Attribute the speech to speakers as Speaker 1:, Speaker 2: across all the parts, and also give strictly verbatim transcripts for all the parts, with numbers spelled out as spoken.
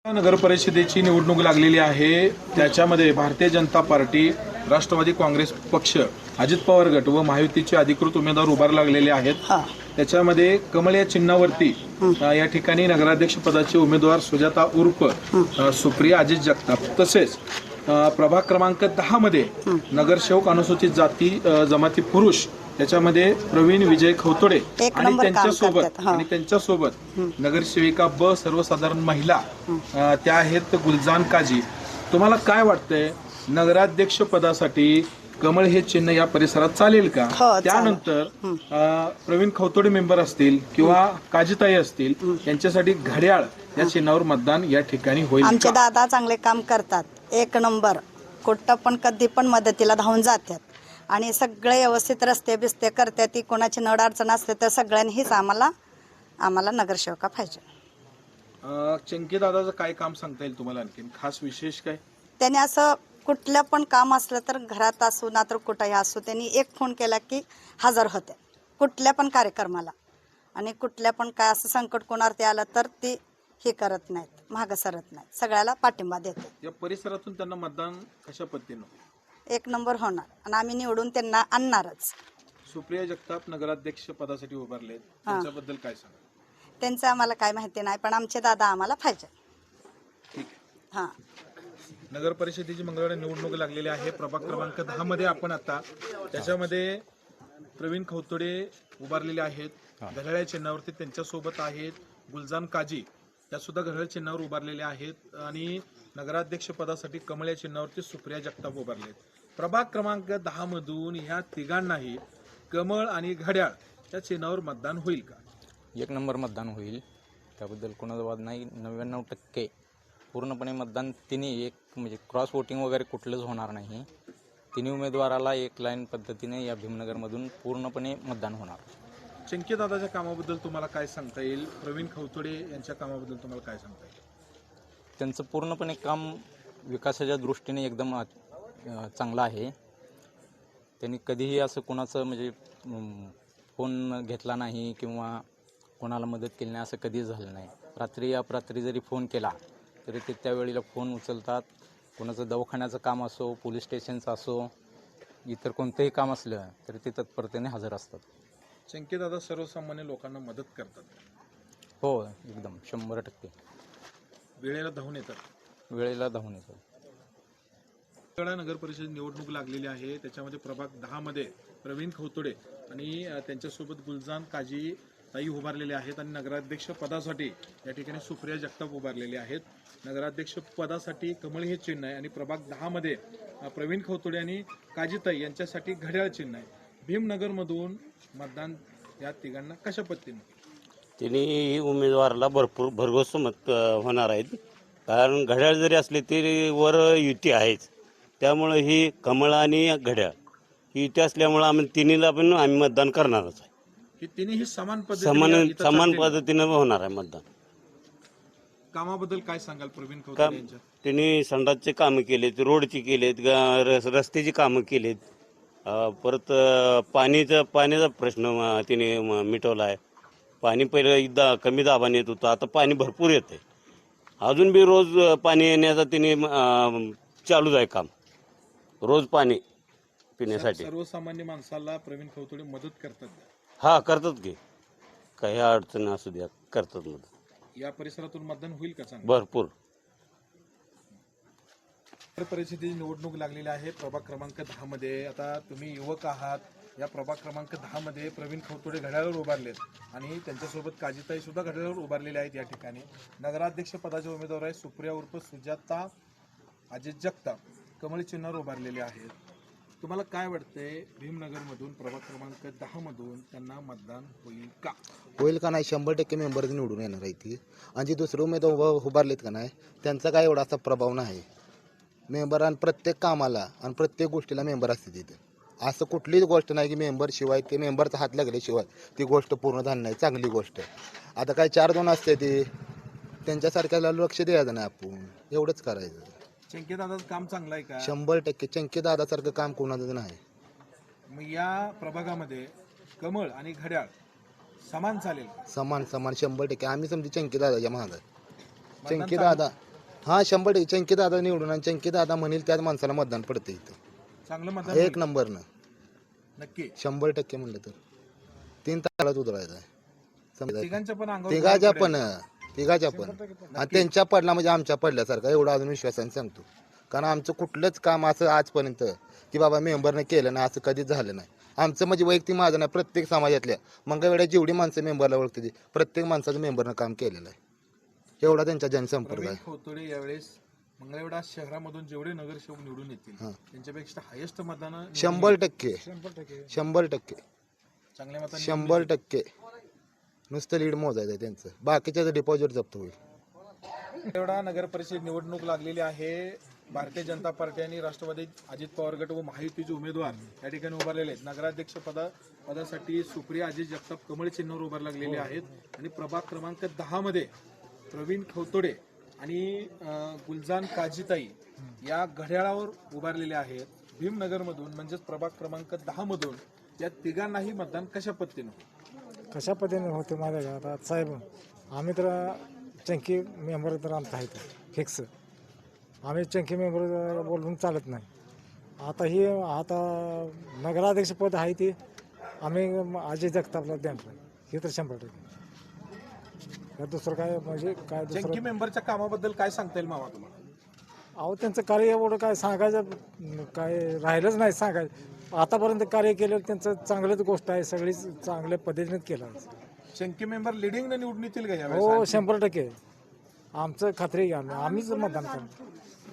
Speaker 1: नगर परिषदेची निवडणूक लागलेली आहे. त्याच्यामध्ये भारतीय जनता पार्टी, राष्ट्रवादी काँग्रेस पक्ष, अजित पवार गट व महायुतीचे अधिकृत उमेदवार उभार लागलेले आहेत. त्याच्यामध्ये कमळ या चिन्हावरती या ठिकाणी नगराध्यक्ष पदाचे उमेदवार सुजाता उर्फ सुप्रिया अजित जगताप, तसेच प्रभाग क्रमांक दहा मध्ये नगरसेवक अनुसूचित जाती जमाती पुरुष त्याच्यामध्ये प्रवीण विजय खवतोडे आणि त्यांच्यासोबत आणि त्यांच्यासोबत नगरसेविका ब सर्वसाधारण महिला त्या आहेत गुलजान काजी. तुम्हाला काय वाटतंय, नगराध्यक्ष पदासाठी कमळ हे चिन्ह या परिसरात चालेल का? त्यानंतर प्रवीण खवतोडे मेंबर असतील किंवा काजीताई असतील यांच्यासाठी घड्याळ या चिन्हावर मतदान या ठिकाणी होईल.
Speaker 2: आमचे दादा चांगले काम करतात, एक नंबर, कुठं पण कधी पण मदतीला धावून जातात आणि सगळे व्यवस्थित रस्ते बिस्ते करतात. ती कोणाची नड अडचण असते तर सगळ्यांनीच आम्हाला आम्हाला नगरसेवका पाहिजे.
Speaker 1: चंकी दादाचं काय काम सांगता येईल तुम्हाला, आणखी खास विशेष काय?
Speaker 2: त्याने असं कुठलं पण काम असलं तर घरात असू ना तर कुठंही असू, त्यांनी एक फोन केला की हजर होते कुठल्या पण कार्यक्रमाला. आणि कुठल्या पण काय असं संकट कोणावरती आलं तर ती हे करत नाहीत, मागं सरत नाहीत, सगळ्याला पाठिंबा देते.
Speaker 1: या परिसरातून त्यांना मतदान कशा पद्धतीनं?
Speaker 2: एक नंबर होणार आणि आम्ही निवडून त्यांना आणणारच.
Speaker 1: सुप्रिया जगताप नगराध्यक्ष पदासाठी उभारले, त्याच्याबद्दल काय सांगा?
Speaker 2: त्यांचं आम्हाला काय माहिती नाही, पण आमचे दादा आम्हाला पाहिजे.
Speaker 1: ठीक आहे.
Speaker 2: हां,
Speaker 1: नगर परिषदेची मंगळवारी निवडणूक लागलेली आहे. प्रभाग क्रमांक दहा मध्ये आपण आता त्याच्यामध्ये प्रवीण खवतोडे उभारलेले आहेत घड्याळ चिन्हावरती. त्यांच्यासोबत आहेत गुलजान काजी, त्या सुद्धा घड्याळ चिन्हावर उभारलेले आहेत. आणि नगराध्यक्ष पदासाठी कमळ या चिन्हावरती सुप्रिया जगताप उभारले आहेत. प्रभाग क्रमांक दहा मधून ह्या तिघांनाही कमळ आणि घड्याळ या चिन्हावर मतदान होईल का?
Speaker 3: एक नंबर मतदान होईल, त्याबद्दल कोणाचा वाद नाही. नव्याण्णव टक्के पूर्णपणे मतदान तिन्ही, एक म्हणजे क्रॉस वोटिंग वगैरे कुठलंच होणार नाही. तिन्ही उमेदवाराला एक लाईन पद्धतीने या भीमनगरमधून पूर्णपणे मतदान होणार.
Speaker 1: चंकी दादाच्या कामाबद्दल तुम्हाला काय सांगता येईल? प्रवीण खवतोडे यांच्या कामाबद्दल तुम्हाला काय सांगता येईल?
Speaker 3: त्यांचं पूर्णपणे काम विकासाच्या दृष्टीने एकदम चांगलं आहे. त्यांनी कधीही असं कोणाचं म्हणजे फोन घेतला नाही किंवा कोणाला मदत केली नाही, असं कधीच झालं नाही. रात्री अपरात्री जरी फोन केला तरी ते त्यावेळेला फोन उचलतात. कोणाचं दवाखान्याचं काम असो, पोलीस स्टेशनचं असो, इतर कोणतंही काम असलं तरी ते तत्परतेने हजर असतात.
Speaker 1: चंकी दादा सर्वसामान्य लोकांना मदत करतात.
Speaker 3: हो, एकदम शंभर टक्के
Speaker 1: वेळेला धावून येतात.
Speaker 3: वेळेला धावून येतात.
Speaker 1: नगर परिषद निवडणूक लागलेली आहे. त्याच्यामध्ये प्रभाग दहा मध्ये प्रवीण खवतोडे आणि त्यांच्यासोबत गुलजान काजी ताई उभारलेले आहेत. आणि नगराध्यक्ष पदासाठी या ठिकाणी सुप्रिया जगताप उभारलेले आहेत. नगराध्यक्ष पदासाठी कमळ हे चिन्ह आहे आणि प्रभाग दहा मध्ये प्रवीण खवतोडे आणि काजीताई यांच्यासाठी घड्याळ चिन्ह आहे. भीमनगरमधून मतदान या तिघांना कशा पद्धतीने?
Speaker 4: तिन्ही उमेदवाराला भरपूर भरघोस मत होणार आहेत. कारण घड्याळ जरी असले तरी वर युती आहेच, त्यामुळे ही कमळ आणि घड्याळ ही युती असल्यामुळे आम्ही तिन्हीला पण आम्ही मतदान करणारच आहे.
Speaker 1: ही तिन्ही समान
Speaker 4: समान
Speaker 1: पद्धतीने
Speaker 4: समान पद्धतीनं होणार आहे मतदान.
Speaker 1: कामाबद्दल काय सांगाल प्रवीण खवतोडे यांच्या?
Speaker 4: त्यांनी संडासचे कामं केलेत, रोडची केलेत, ग- रस्त्याची कामं केलेत. परत पाणीचा पाण्याचा प्रश्न तिने मिटवला आहे. पाणी पहिलं एकदा कमी दाबाने येत होतं, आता पाणी भरपूर येते. अजून बी रोज पाणी येण्याचा तिने चालूच आहे काम, रोज पाणी पिण्यासाठी.
Speaker 1: सर्वसामान्य माणसाला प्रवीण खवतोडे मदत करतात.
Speaker 4: हा, करतात की, काही अडचण असू द्या, करतात मदत.
Speaker 1: या परिसरातून मतदान होईल का? चांगलं
Speaker 4: भरपूर.
Speaker 1: परिस्थितीची निवडणूक लागलेली आहे प्रभाग क्रमांक दहा मध्ये. आता तुम्ही युवक आहात. या प्रभाग क्रमांक दहा मध्ये प्रवीण खवतोडे घड्याळावर उभारलेत आणि त्यांच्यासोबत काजीताई सुद्धा घड्याळावर उभारलेले आहेत. या ठिकाणी नगराध्यक्ष पदाचे उमेदवार आहे सुप्रिया उर्फ सुजाता अजित जगताप कमळ चिन्हावर उभारलेले आहेत. तुम्हाला काय वाटतंय, भीमनगरमधून प्रभाग क्रमांक दहा मधून त्यांना मतदान होईल का?
Speaker 5: होईल का नाही? शंभर टक्के मेंबर निवडून येणार आहे ती. आणि जे दुसरे उमेदवार उभारलेत का नाही, त्यांचा काय एवढा असा प्रभाव नाही. मेंबर आणि प्रत्येक कामाला आणि प्रत्येक गोष्टीला मेंबर असते तिथे. असं कुठलीच गोष्ट नाही की मेंबर शिवाय ते मेंबरचा हात लागल्याशिवाय ती गोष्ट पूर्ण झाली नाही. चांगली गोष्ट. आता काय चार दोन असते ते, त्यांच्यासारख्याला लक्ष द्यायचं नाही, आपण एवढंच करायचं.
Speaker 1: चंकी दादाचं काम चांगलं आहे का?
Speaker 5: शंभर टक्के चंकी दादासारखं काम कोणाचं नाही.
Speaker 1: मग या प्रभागामध्ये कमळ आणि घड्याळ समान चालेल?
Speaker 5: समान समान शंभर टक्के. आम्ही समजी चंकी दादाच्या महाग. चंकी दादा हा शंभर टक्के चंकी दादा निवडून आणि चंकी दादा म्हणेल त्याच माणसाला मतदान पडतं इथं
Speaker 1: चांगलं मतदान
Speaker 5: एक
Speaker 1: होईल.
Speaker 5: नंबरनं
Speaker 1: नक्की
Speaker 5: शंभर टक्के म्हणलं तर तीन तालात उतरायचं आहे समजा.
Speaker 1: तिघांच्या पण अंगावर
Speaker 5: तिघाच्या
Speaker 1: गुलाल
Speaker 5: पण
Speaker 1: पडेल.
Speaker 5: तिघाच्या पण आणि त्यांच्या पडला म्हणजे आमच्या पडल्यासारखा एवढा अजून विश्वासाने सांगतो. कारण आमचं कुठलंच काम असं आजपर्यंत की बाबा मेंबरने केलं नाही असं कधीच झालं नाही. आमचं म्हणजे वैयक्तिक माझं नाही, प्रत्येक समाजातल्या मंगळवेढ्या जेवढी माणसं मेंबरला ओळखते ती प्रत्येक माणसाचं मेंबरनं काम केलेलं आहे. एवढा त्यांचा जनसंपर्क
Speaker 1: प्रवीण
Speaker 5: आहे.
Speaker 1: खोतोडे यावेळेस मंगळवेढा शहरामधून जेवढे नगरसेवक निवडून येतील त्यांच्यापेक्षा हायेस्ट मतदान
Speaker 5: शंभर टक्के शंभर टक्के
Speaker 1: चांगल्या मतांनी
Speaker 5: शंभर टक्के नुसतं लीड मोजायचं आहे त्यांचं, बाकीच्याचं डिपॉझिट जप्त होईल.
Speaker 1: मंगळवेढा नगर परिषद निवडणूक लागलेली आहे. भारतीय जनता पार्टी आणि राष्ट्रवादी अजित पवार गट व महायुतीचे उमेदवार या ठिकाणी उभारलेले आहेत. नगराध्यक्ष पदा पदासाठी सुप्रिया अजित जगताप कमळ चिन्हावर उभार लागलेले आहेत आणि प्रभाग क्रमांक दहा मध्ये प्रवीण खवतोडे आणि अं, गुलजान काजीताई या घड्याळावर उभारलेले आहेत. भीमनगरमधून म्हणजेच प्रभाग क्रमांक दहा मधून या तिघांनाही मतदान कशा पद्धतीनं
Speaker 6: कशा पद्धतीने होते माझ्या घरात आता साहेब आम्ही तर चंकी मेंबर तर आमचा आहे फिक्स. आम्ही चंकी मेंबर बोलून चालत नाही. आता ही आता नगराध्यक्षपद आहे ती आम्ही अजय जगतापला देणार हे तर शंभर टक्के. या दुसरं काय म्हणजे काय दुसरं
Speaker 1: चंकी मेंबरच्या कामाबद्दल काय सांगता येईल मामा तुम्हाला?
Speaker 6: अहो त्यांचं कार्य एवढं काय सांगायचं काय राहिलंच नाही सांगायचं. आतापर्यंत कार्य केलं त्यांचं चांगलंच गोष्ट आहे, सगळीच चांगल्या पद्धतीनेच केलं.
Speaker 1: चंकी मेंबर लिडिंग निवडून येतील का यावेळेस?
Speaker 6: हो शंभर टक्के आमचं खात्री आहे. आम्ही आम्हीच मतदान करणार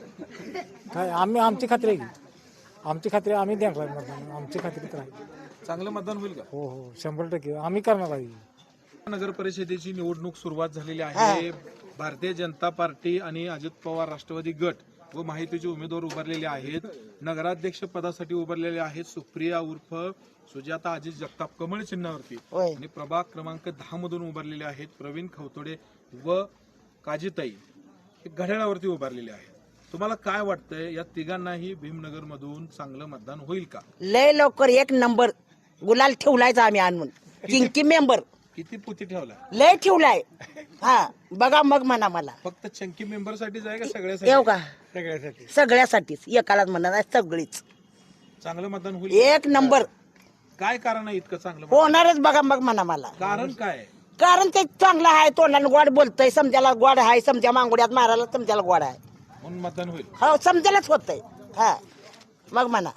Speaker 6: काय आम्ही आमची खात्री आहे. आमची खात्री आम्ही देणार मतदान, आमची खात्री तर आहे.
Speaker 1: चांगलं मतदान होईल का?
Speaker 6: हो हो शंभर टक्के आम्ही करणार आहे.
Speaker 1: नगर परिषदेची निवडणूक सुरुवात झालेली आहे. भारतीय जनता पार्टी आणि अजित पवार राष्ट्रवादी गट व माहितीचे उमेदवार उभारलेले आहेत. नगराध्यक्ष पदासाठी उभारलेले आहेत सुप्रिया उर्फ सुजाता अजित जगताप कमळ चिन्हावरती आणि प्रभाग क्रमांक दहा मधून उभारलेले आहेत प्रवीण खवतोडे व काजीताई हे घड्याळावरती उभारलेले आहेत. तुम्हाला काय वाटतंय या तिघांनाही भीमनगर मधून चांगलं मतदान होईल का?
Speaker 7: लय लवकर एक नंबर गुलाल ठेवलायचा आम्ही आणून चिंकी मेंबर
Speaker 1: किती पुती ठेवला?
Speaker 7: लय ठेवलाय. हा बघा मग म्हणा मला
Speaker 1: फक्त चंकी मेंबर साठीच आहे का
Speaker 7: येऊ
Speaker 1: सगळ्यासाठी?
Speaker 7: का
Speaker 6: सगळ्यासाठी
Speaker 7: सगळ्यासाठीच एकालाच म्हणा नाही सगळीच
Speaker 1: चांगलं मतदान होईल?
Speaker 7: एक नंबर
Speaker 1: काय कारण आहे इतकं चांगलं मतदान?
Speaker 7: होणारच बघा मग म्हणा मला.
Speaker 1: कारण काय?
Speaker 7: कारण ते चांगलं आहे, तोंडाने गोड बोलतय, समजायला गोड आहे, समजा मांगुड्यात मारायला समजायला गोड आहे.
Speaker 1: म्हणून मतदान होईल.
Speaker 7: हो समजायलाच होतंय. हा मग म्हणा.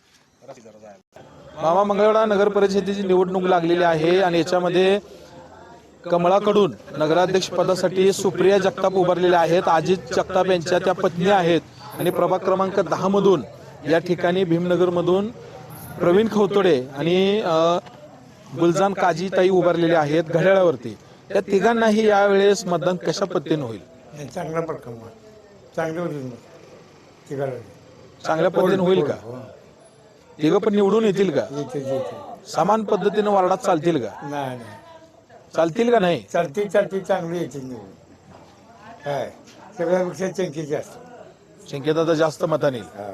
Speaker 1: मामा मंगळवेढा नगर परिषदेची निवडणूक लागलेली आहे आणि याच्यामध्ये कमळाकडून नगराध्यक्ष पदासाठी सुप्रिया जगताप उभारलेल्या आहेत. अजित जगताप यांच्या त्या पत्नी आहेत आणि प्रभाग क्रमांक दहा मधून या ठिकाणी भीमनगर मधून प्रवीण खवतोडे आणि अ, गुलजान काजीताई उभारलेले आहेत घड्याळावरती. या तिघांनाही यावेळेस मतदान कशा पद्धतीने होईल?
Speaker 6: चांगला पडकम चांगलं होईल
Speaker 1: चांगल्या पद्धतीने होईल का? तिघं पण निवडून येतील का? समान पद्धतीने वार्डात चालतील का?
Speaker 6: नाही नाही
Speaker 1: चालतील का नाही?
Speaker 6: चालती चालती चांगली येते निवडून काय सगळ्यापेक्षा चंकी जास्त
Speaker 1: शंकेत जास्त मताने येईल.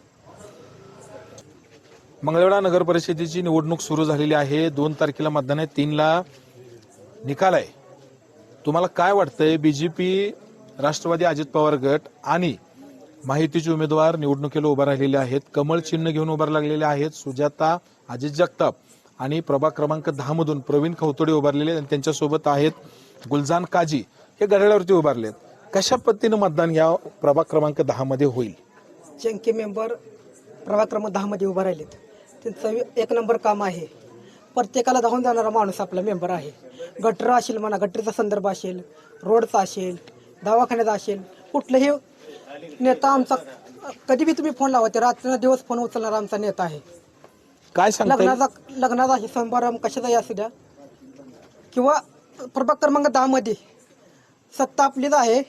Speaker 1: मंगळवेढा नगर परिषदेची निवडणूक सुरू झालेली आहे. दोन तारखेला मतदान आहे, तीनला निकाल आहे. तुम्हाला काय वाटतंय? बीजेपी राष्ट्रवादी अजित पवार गट आणि माहितीचे उमेदवार निवडणुकीला उभा राहिलेले आहेत. कमळ चिन्ह घेऊन उभार लागलेले आहेत. सुजाता अजित जगताप आणि प्रभाग क्रमांक दहा मधून प्रवीण खवतोडे उभारलेले आणि त्यांच्यासोबत आहेत गुलजान काजी हे घड्याळावरती उभारलेत. कशा पद्धतीनं मतदान या प्रभाग क्रमांक दहा मध्ये होईल?
Speaker 8: चंकी मेंबर प्रभाग क्रमांक दहा मध्ये उभा राहिलेत. त्यांचं एक नंबर काम आहे. प्रत्येकाला धावून जाणारा माणूस आपला मेंबर आहे. गटर असेल म्हणा, गटरीचा संदर्भ असेल, रोडचा असेल, दवाखान्याचा असेल, कुठलाही नेता आमचा कधी बी तुम्ही फोन लावा ते रात्र दिवस फोन उचलणारा आमचा नेता आहे.
Speaker 1: काय सांगता येईल?
Speaker 8: लग्नाचा लग्नाचा आहे समारंभ कशाचाही असू द्या किंवा प्रभाग क्रमांक दहा मध्ये सत्ता आपलीच आहे.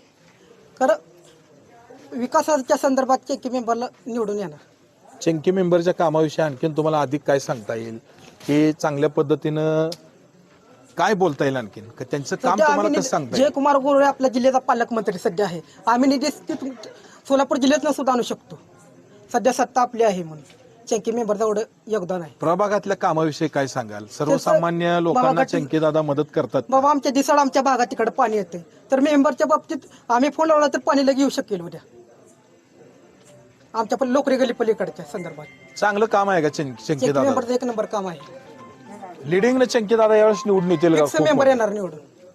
Speaker 8: खरं विकासाच्या संदर्भात चंकी मेंबरला निवडून येणार.
Speaker 1: चंकी मेंबरच्या कामाविषयी आणखीन तुम्हाला अधिक काय सांगता येईल की चांगल्या पद्धतीनं काय बोलता येईल आणखीन? का त्यांचं काम
Speaker 8: सध्या
Speaker 1: तुम्हाला
Speaker 8: आम्ही
Speaker 1: कसं सांगता
Speaker 8: निधी-
Speaker 1: येईल?
Speaker 8: जयकुमार गोरे आपल्या जिल्ह्याचा पालकमंत्री सध्या आहे. आम्ही निधी ती तुम- सोलापूर जिल्ह्यातनं सुद्धा आणू शकतो. सध्या सत्ता आपली आहे म्हणून चंकी मेंबरचं एवढं योगदान आहे.
Speaker 1: प्रभागातल्या कामाविषयी काय सांगाल? सर्वसामान्य लोकांना
Speaker 8: प्रभागातील-
Speaker 1: चंकी दादा मदत करतात.
Speaker 8: बाबा आमच्या दिसाळ आमच्या भागात तिकडे पाणी येते, तर मेंबरच्या बाबतीत आम्ही फोन लावला तर पाणी लगे येऊ शकेल उद्या आमच्या पण लोकरी गली पलीकडच्या संदर्भात.
Speaker 1: चांगलं काम आहे का चंकी चंकी
Speaker 8: चंकी
Speaker 1: दादा?
Speaker 8: मेंबरचं एक नंबर काम आहे.
Speaker 1: लिडिंगनं चंकी दादा यावेळेस निवडून येतील का?
Speaker 8: फिक्स
Speaker 1: खूप
Speaker 8: मेंबर येणार निवडून.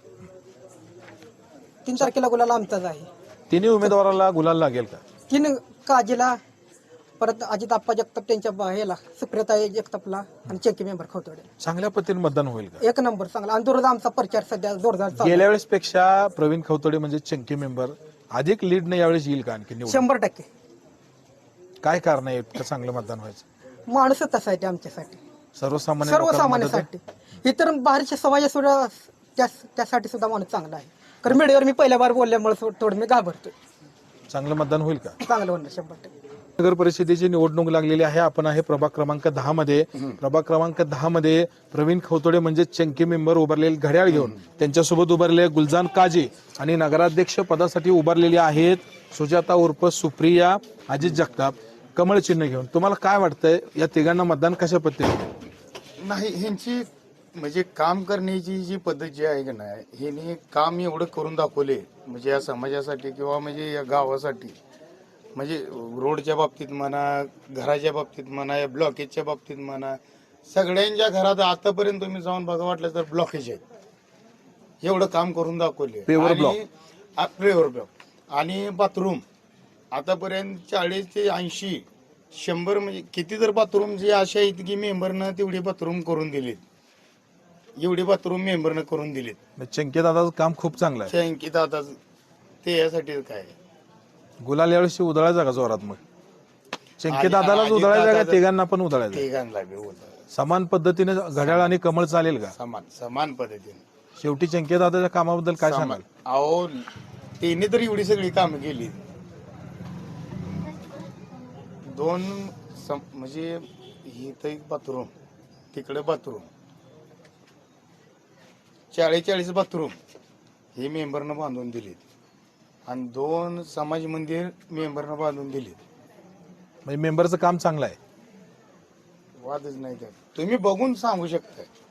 Speaker 8: तीन तारखेला गुलाल आमचाच आहे.
Speaker 1: तिन्ही उमेदवाराला गुलाल लागेल का?
Speaker 8: तीन काजीला, परत अजित आप्पा जगताप त्यांच्या बा- ह्याला सुप्रियता जगतापला आणि चंकी मेंबर खवतोडे.
Speaker 1: चांगल्या पद्धतीने मतदान होईल का?
Speaker 8: एक नंबर चांगला. आणि जोरदार आमचा प्रचार सध्या जोरदार चालू आहे.
Speaker 1: गेल्या वेळेस पेक्षा प्रवीण खवतोडे म्हणजे चंकी मेंबर अधिक लीडने यावेळेस येईल का आणखी निवडून?
Speaker 8: शंभर टक्के.
Speaker 1: काय कारण आहे इतकं चांगलं मतदान व्हायचं?
Speaker 8: माणूसच तसा आहे ते आमच्यासाठी,
Speaker 1: सर्वसामान्य लोकांना मदत आहे?
Speaker 8: सर्वसामान्यासाठी. इतर बाहेरच्या समाजा सुद्धा त्या- त्यासाठी सुद्धा माणूस चांगला आहे. कारण मीडियावर मी पहिल्या बार बोलल्यामुळे थोडं मी घाबरतो.
Speaker 1: चांगलं मतदान होईल का?
Speaker 8: चांगलं होणार शंभर टक्के.
Speaker 1: नगर परिषदेची निवडणूक लागलेली आहे. आपण आहे प्रभाग क्रमांक दहा मध्ये. प्रभाग क्रमांक दहा मध्ये प्रवीण खवतोडे म्हणजे चंकी मेंबर उभारलेले घड्याळ घेऊन, त्यांच्यासोबत उभारलेले गुलजान काजी आणि नगराध्यक्ष पदासाठी उभारलेली आहेत सुजाता उर्फ सुप्रिया अजित जगताप कमळ चिन्ह घेऊन. तुम्हाला काय वाटतंय या तिघांना मतदान कशा पद्धतीने?
Speaker 9: नाही, ह्यांची म्हणजे काम करण्याची जी पद्धत जी आहे का नाही, ह्यांनी काम एवढं करून दाखवले म्हणजे या समाजासाठी किंवा म्हणजे या गावासाठी, म्हणजे रोडच्या बाबतीत म्हणा, घराच्या बाबतीत म्हणा, या ब्लॉकेजच्या बाबतीत म्हणा, सगळ्यांच्या घरात आतापर्यंत तुम्ही जाऊन बघा वाटलं तर ब्लॉकेज आहेत. एवढं काम करून दाखवले.
Speaker 1: Paver block.
Speaker 9: पेवर ब्लॉक आणि बाथरूम आतापर्यंत चाळीस ते ऐंशी शंभर म्हणजे किती तर बाथरूम जे अशा आहेत की मेंबरनं तेवढी बाथरूम करून दिलीत. एवढी बाथरूम मेंबरनं करून दिलीत.
Speaker 1: चंकी दादाचं काम खूप चांगलं आहे.
Speaker 9: शंकित आता ते यासाठी काय
Speaker 1: गुलाल यावेळेस उधळायचा का जोरात? मग चंकी दादालाच उधळायचा का तिघांना पण उधळायचा?
Speaker 9: तिघांना बी होतं
Speaker 1: समान पद्धतीने घड्याळ आणि कमळ चालेल का?
Speaker 9: समान समान पद्धतीने.
Speaker 1: शेवटी चंकी दादाच्या कामाबद्दल काय सांगाल?
Speaker 9: अहो त्यांनी तर एवढी सगळी कामं केली. दोन सम- म्हणजे इथं एक बाथरूम, तिकडे बाथरूम, चाळीस चाळीस बाथरूम हे मेंबरनं बांधून दिलीत आणि दोन समाज मंदिर मेंबरनं बांधून दिलीत.
Speaker 1: म्हणजे मेंबरचं काम चांगलं आहे.
Speaker 9: वादच नाही त्यात. तुम्ही बघून सांगू शकता.